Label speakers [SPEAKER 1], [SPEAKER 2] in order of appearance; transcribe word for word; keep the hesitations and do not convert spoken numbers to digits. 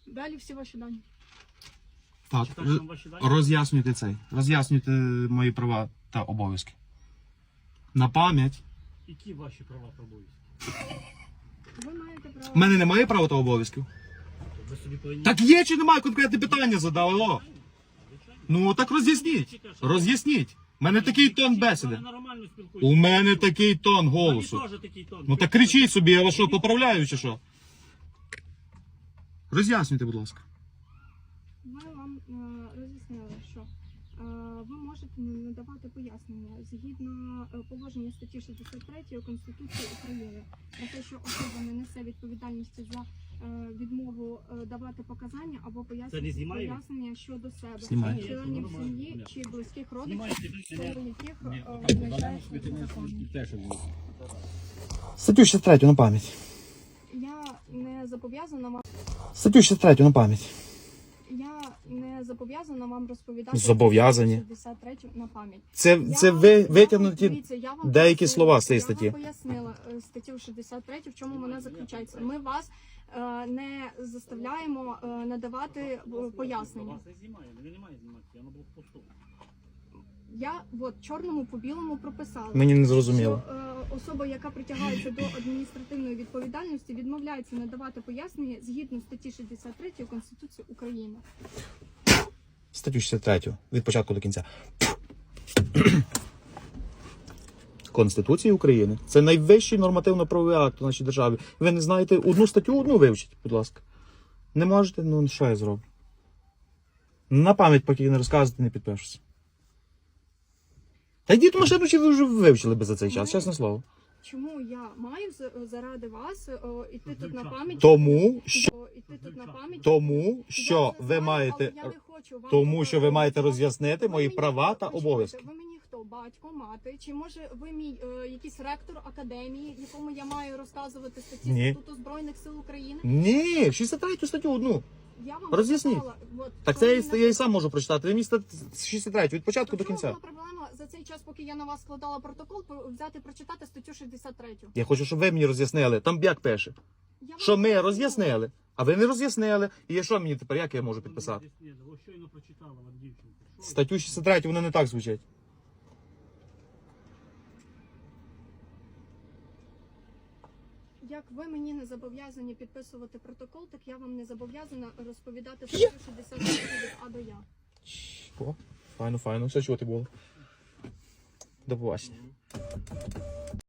[SPEAKER 1] Далі всі ваші дані.
[SPEAKER 2] Так,
[SPEAKER 3] Читаєш нам ваші дані?
[SPEAKER 2] роз'яснюйте цей. Роз'яснюйте мої права та обов'язки. На пам'ять.
[SPEAKER 3] Які ваші права та обов'язки?
[SPEAKER 1] Ви маєте право.
[SPEAKER 2] У мене немає права та обов'язків.
[SPEAKER 3] Ви собі повинні...
[SPEAKER 2] Так є чи немає, конкретне питання задали, алло. Ну так роз'ясніть. Роз'ясніть. У мене такий тон бесіди.
[SPEAKER 3] Ви нормально спілкуєтесь.
[SPEAKER 2] У мене такий тон голосу.
[SPEAKER 3] Мені теж такий тон.
[SPEAKER 2] Ну так кричіть собі, я вас що, поправляю чи що? Роз'яснюйте, будь ласка.
[SPEAKER 1] Ми вам е, роз'яснили, що е, ви можете надавати пояснення згідно е, положення статті шістдесят три Конституції України про те, що особа не несе відповідальності за е, відмову е, давати показання або
[SPEAKER 3] Це не
[SPEAKER 1] пояснення,
[SPEAKER 3] знімає?
[SPEAKER 1] пояснення щодо себе,
[SPEAKER 2] Знімає.
[SPEAKER 1] членів сім'ї чи близьких родичів,
[SPEAKER 3] Знімаєте?
[SPEAKER 1] щодо яких е, визначається законом.
[SPEAKER 2] Статтю шістдесят три на пам'ять.
[SPEAKER 1] Я не зобов'язана вам.
[SPEAKER 2] Статтю шістдесят три на пам'ять.
[SPEAKER 1] Я не зобов'язана вам розповідати
[SPEAKER 2] Зобов'язані.
[SPEAKER 1] шістдесят три на пам'ять.
[SPEAKER 2] Це,
[SPEAKER 1] Я
[SPEAKER 2] це
[SPEAKER 1] вам-
[SPEAKER 2] ви
[SPEAKER 1] я вам-
[SPEAKER 2] витягнуті
[SPEAKER 1] дивіться, я вам
[SPEAKER 2] деякі
[SPEAKER 1] пояснила-
[SPEAKER 2] слова з цієї
[SPEAKER 1] Я
[SPEAKER 2] статті.
[SPEAKER 1] вам пояснила е, статтю шістдесят три, в чому вона заключається. Ми вас е, не заставляємо е, надавати е, пояснення.
[SPEAKER 3] Вас не знімає, ви не має знімати, я на блокпосту.
[SPEAKER 1] Я от чорному по білому прописала.
[SPEAKER 2] Мені не зрозуміло.
[SPEAKER 1] Що е, особа, яка притягається до адміністративної відповідальності, відмовляється надавати пояснення згідно статті шістдесят три Конституції України.
[SPEAKER 2] Статтю шістдесят три від початку до кінця. Конституції України. Це найвищий нормативно-правовий акт у нашій державі. Ви не знаєте одну статтю, одну вивчіть, будь ласка. Не можете? Ну що я зроблю? На пам'ять, поки не розказуєте, не підпишуся. Та йдіть в машину, чи ви вже вивчили би за цей час, чесне слово.
[SPEAKER 1] Чому я маю з- заради вас о, іти тут на пам'ять?
[SPEAKER 2] Тому що,
[SPEAKER 1] О, іти тут на пам'ять?
[SPEAKER 2] тому,
[SPEAKER 1] Я
[SPEAKER 2] що
[SPEAKER 1] це
[SPEAKER 2] ви
[SPEAKER 1] знаю,
[SPEAKER 2] маєте,
[SPEAKER 1] але я не хочу вам
[SPEAKER 2] тому що ви маєте
[SPEAKER 1] розказувати.
[SPEAKER 2] роз'яснити
[SPEAKER 1] Ви
[SPEAKER 2] мої
[SPEAKER 1] мені
[SPEAKER 2] права
[SPEAKER 1] хто?
[SPEAKER 2] та
[SPEAKER 1] Почекайте,
[SPEAKER 2] обов'язки.
[SPEAKER 1] Ви мені хто? Батько, мати? Чи може ви мій е, якийсь ректор академії, якому я маю розказувати статті
[SPEAKER 2] Ні.
[SPEAKER 1] Статуту Збройних сил України?
[SPEAKER 2] Ні, шістдесят три статтю одну.
[SPEAKER 1] Я вам
[SPEAKER 2] Роз'ясніть.
[SPEAKER 1] сказала, от,
[SPEAKER 2] Так
[SPEAKER 1] що
[SPEAKER 2] це
[SPEAKER 1] ви
[SPEAKER 2] я,
[SPEAKER 1] не-
[SPEAKER 2] я і сам можу прочитати. Ви мені шістдесят три від початку до
[SPEAKER 1] В чому
[SPEAKER 2] кінця.
[SPEAKER 1] була проблема за цей час, поки я на вас складала протокол, про- взяти прочитати статтю шістдесят три?
[SPEAKER 2] Я хочу, щоб ви мені роз'яснили. Там як пише.
[SPEAKER 1] Я вам
[SPEAKER 2] Що ми
[SPEAKER 1] пояснила.
[SPEAKER 2] роз'яснили, а ви не роз'яснили. І що мені тепер, як я можу підписати?
[SPEAKER 3] Ви щойно прочитала вам дівчинку. Що ви?
[SPEAKER 2] Статтю шістдесят три, воно не так звучить.
[SPEAKER 1] Як ви мені не зобов'язані підписувати протокол, так я вам не зобов'язана розповідати статтю шістдесят три від А до Я.
[SPEAKER 2] О, файно, файно. Все чого ти було. До побачення.